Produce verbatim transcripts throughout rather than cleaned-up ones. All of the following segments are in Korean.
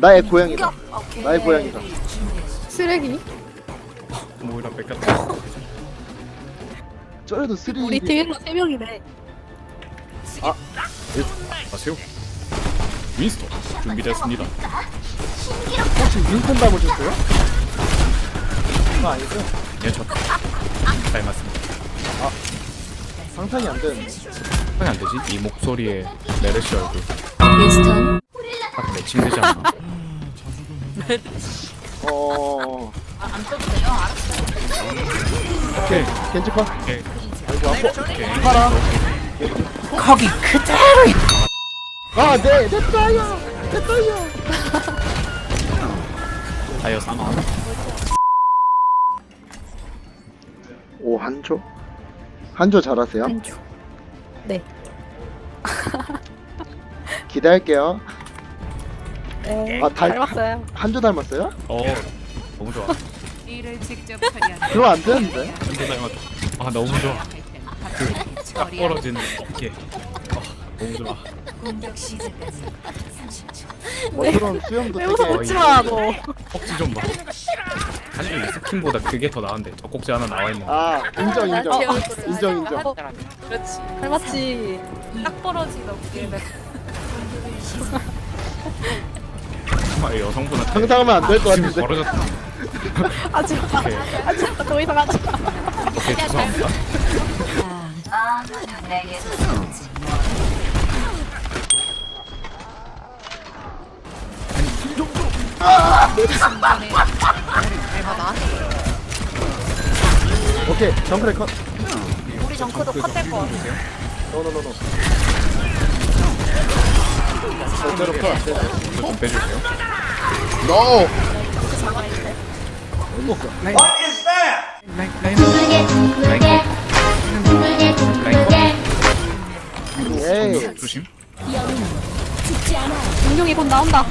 나의 고양이다. 오케이. 나의 고양이다. 쓰레기? 모이라 뺏겼다. 저래도 쓰리. 우리 팀일로 세 명이네. 아세요? 윈스턴 준비됐습니다. 혹시 윈턴 닮으셨어요? 그거 아니죠? 예, 저 닮았습니다. 상상이 안 되는데. 상이 안 되지? 이 목소리에 메르시 얼굴 윈스턴. 딱 매칭되지 않나? 어. 안 써도 돼요? 알았어요. 오케이. 겐지컷. 오케이. 아이고 아파. 오케이. 팔아. 거기 그대로 아, 네, 내 따요. 내 따요. 다이어 삼아. 오, 한조? 한조 잘하세요? 한조. 네. 기대할게요. 네. 아, 달- 닮았어요. 한조 닮았어요? 어, 너무 좋아. 일을 직접 처리하는 그러면 안 되는데. 한조 닮았다. 아, 너무 좋아. 딱 벌어지는 어깨. 아, 너무 좋아. 공격 시작까지 삼십 초. 뭐 그런 수염도 왜 되게. 웃어? 웃지 마, 너. 턱지 좀 봐. 사실 이 스킨보다 그게 더 나은데 젖꼭지 하나 나와 있는 거. 아, 인정, 인정. 제 아, 얼굴을 인정, 인정. 어, 그렇지. 닮았지. 딱 벌어진 어깨를. 정말 여성분한테 상상하면 안 될 것 지금 같은데. 벌어졌다. 하지 마. 오케이. 하지 마. 더 이상 하지 마. 오케이, 죄송합니다. 오케이, 정크레 컷. 우리 정크도 컷될 거 같아. 노노노노. 절대로 컷. 안 돼. 이거 좀 빼주세요. 노. 에이. 조심. 용룡이 곧 나온다.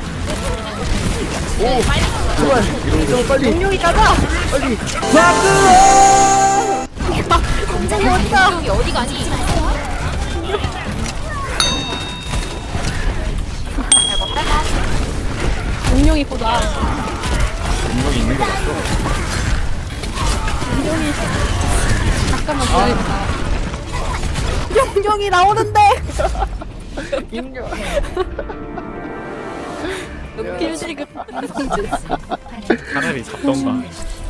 제발. 좀 빨리. 용룡이 가자. 빨리. 공장이 왔다. 여기 어디 가니? 용룡이 곧 와. 분명히 있는 거 맞죠? 용룡이. 잠깐만 기다려봐. 용룡이 나오는데. 필지급 성질. 차라리 잡던가.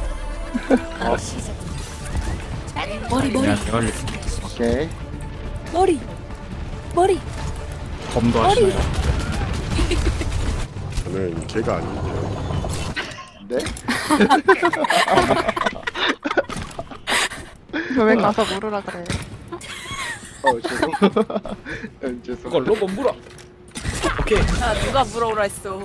머리 머리 그냥 대가리 오케이. 머리 머리. 검도 하시나요? 저는 걔가 아닌데요. 네? 왜 가서 물으라 그래. 어, 죄송. 음, 죄송. 그걸로 못 물어. 오케이. 아, 누가 물어오라 했어.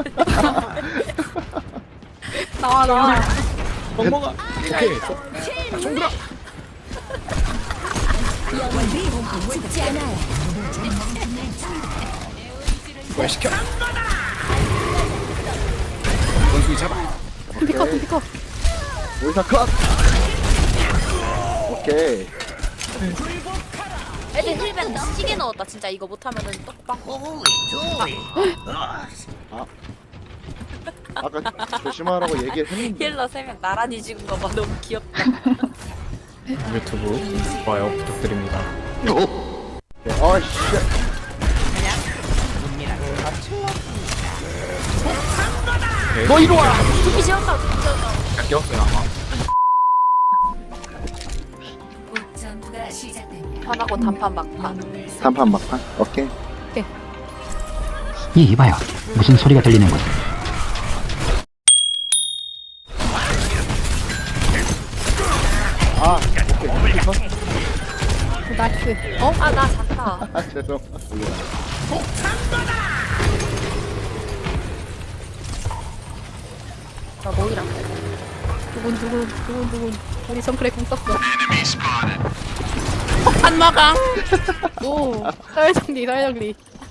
나와 나와. 멍멍아. 오케이. 총들아. 부활시켜. 원숭이 잡아. 둠피커 둠피커. 오이사 컷. 오케이. 애들 힐벤 시계 넣었다. 진짜 이거 못하면은 떡방. 아까 조심하라고 얘기를 했는데. 힐러 세 명 나란히 찍은 거 봐. 너무 귀엽다. 유튜브 좋아요 부탁드립니다. 아, 씨. 오케이. 너 이리 와. 두피 지웠다. 두피 지웠다. 깎였어요 아마. 전투가 시작됩니다. 판하고 단판 막판. 단판 막판. 오케이. 이 이봐요 무슨 소리가 들리는 거지 아, 오케이. 오케이 컷. 나이스. 어? 아, 나 잤다. 아, 죄송. 나 모이랑. 두근 두근 두근 두근. 우리 정크레 공 썼어. 한마강. 오. 서열정리 서열정리.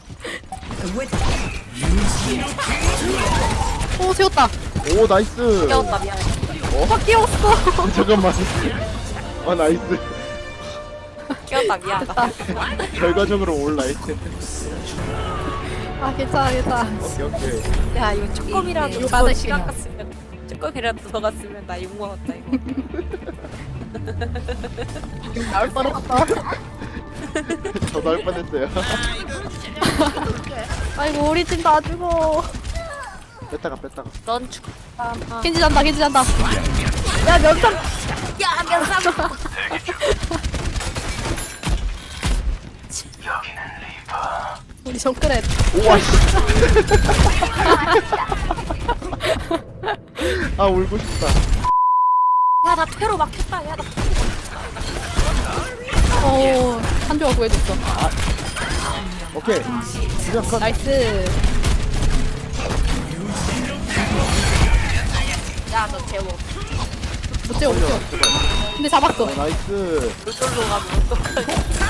오 세웠다. 오, 나이스. 깨웠다. 미안해. 확 끼웠어. 잠깐만. 아, 나이스. 깨웠다. 미안하다. 결과적으로 올라이트. 아 괜찮아 괜찮아. 오케이 오케이. 야 이거 조금이라도 이거 더 받으시나. 시간 갔으면 조금이라도 더 갔으면 나 욕 먹었다 이거. 나올 뻔했어. 저도 할 뻔했어요. 아이고 우리 팀 다 죽어. 뺐다가 뺐다가. 넌 죽. 아, 아. 겐지 잔다 겐지 잔다. 야 면상. 야 면상. 우리 정크렛. 오와 씨. 아 울고 싶다. 야나 퇴로 막혔다. 야나. 어 한조가 구해줬어. 오케이. 그냥 컷. 나이스. 야너 재워. 못 재워 못 재워. 근데 잡았어. 나이스. 물돌로 가면 어떡해.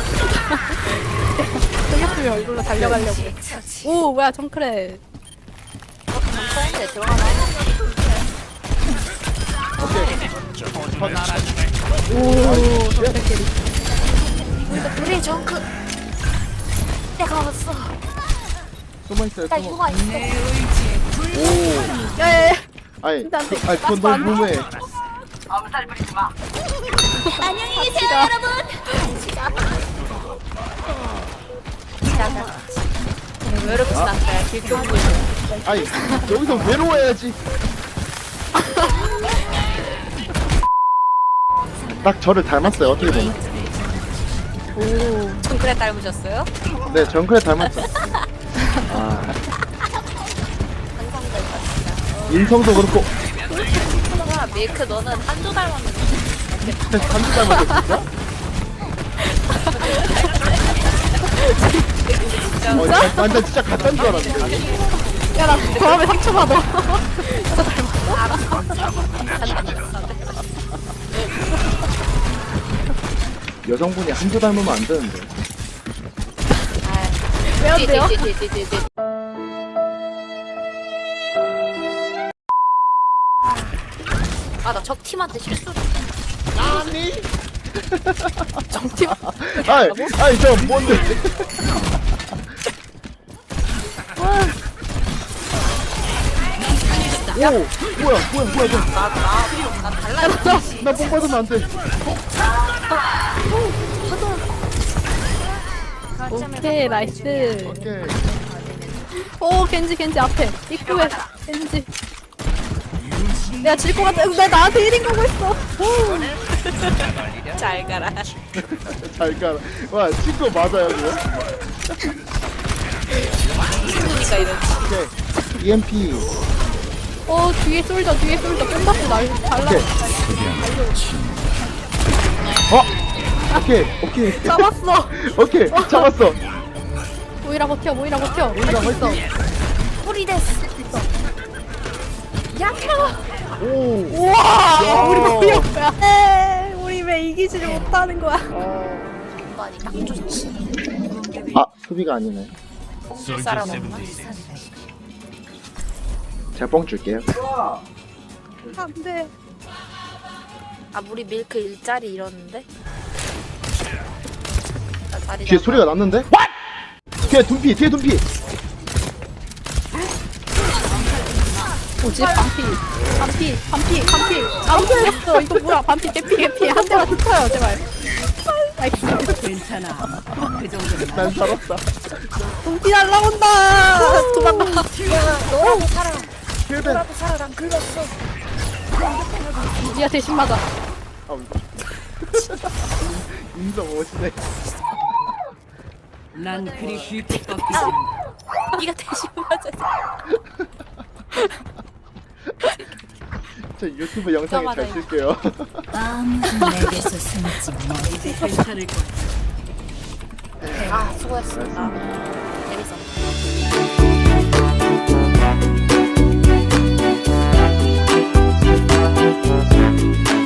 생겼으면 얼굴로 달려가려고. 오 뭐야 정크렛. 정크레인데 들어가나? 오 정크렛 캐리. 우리 정크. 내가 왔어. 숨어 있어요. 나 숨어. 휴가 있어. 오. 야야야. 아니, 근데 안 돼. 아니 그건 너무 무해. 안녕히 계세요 여러분. 지나가. 왜 이렇게 지났어요? 길동부에. 아니 여기서 외로워야지. 딱 저를 닮았어요. 어떻게 보면. 오 정크레 닮으셨어요? 네, 정크레 닮았죠. 아, 항상 닮았습니다. 인성도 그렇고 야 밀크 너는 한조 닮았는데. 한두 닮았어 진짜. 어, 진짜? 완전 진짜 같다는 줄 알았는데. 야 나 저함에 상처받아. 진짜 닮았어? 여성분이 한두 닮으면 안 되는데. 왜 안 돼요? 띠띠띠띠띠띠. 아나 적 팀한테 실수를. 아니. 정팀. 아이, 아이 저 뭔데? 오, 뭐야, 뭐야, 뭐야, 뭐야. 나나나 달라. 나뽕 받으면 안 돼. 오케이 나이스. 오케이. 오 겐지 겐지 앞에 입구에 겐지. 내가 질 것 같아. 나 나한테 일 인 거고 있어. 잘 가라. 잘 가라. 와, 친구 맞아요, 이거? 그러니까 이런. 오케이. 이엠피. 어 뒤에 쏠져 뒤에 쏠져 뽕 받고 날 달라. 오케이. 어? 오케이, 오케이. 잡았어. 오케이, 잡았어. 모이라 버텨 모이라 버텨. 우리가 벌써. 뿌리 됐어. 약해요. 오. 우와 우리 왜 이런 거야? 에이, 우리 왜 이기지를 못하는 거야? 많이 딱 좋지. 아, 수비가 아니네. 사람 없나? 제가 뻥 줄게요. 안돼. 아 우리 밀크 일자리 이러는데? 나 자리 뒤에 잡아. 소리가 났는데? 뒤에 둠피, 뒤에 둠피. 뭐지 반피 반피 반피 반피 아무도 없어. 이거 뭐야 반피 개피 개피 한 대만 툭쳐요 제발. 나이스. 괜찮아. 그 정도는 난 살았다. 동피 날라온다. 도망가. 너라도 살아. 힐벤. 너라도 살아. 난 긁었어. 니가 대신 맞아. 아, 인성 멋이네. 난 그리 쉽게 꺾이지 않아. 네가 대신 맞아. 저 유튜브 영상에 잘 맞아, 쓸게요. 아무도 내게서 숨지 마. 이제 괜찮을 거야. 아 수고했어. 나 재밌었어.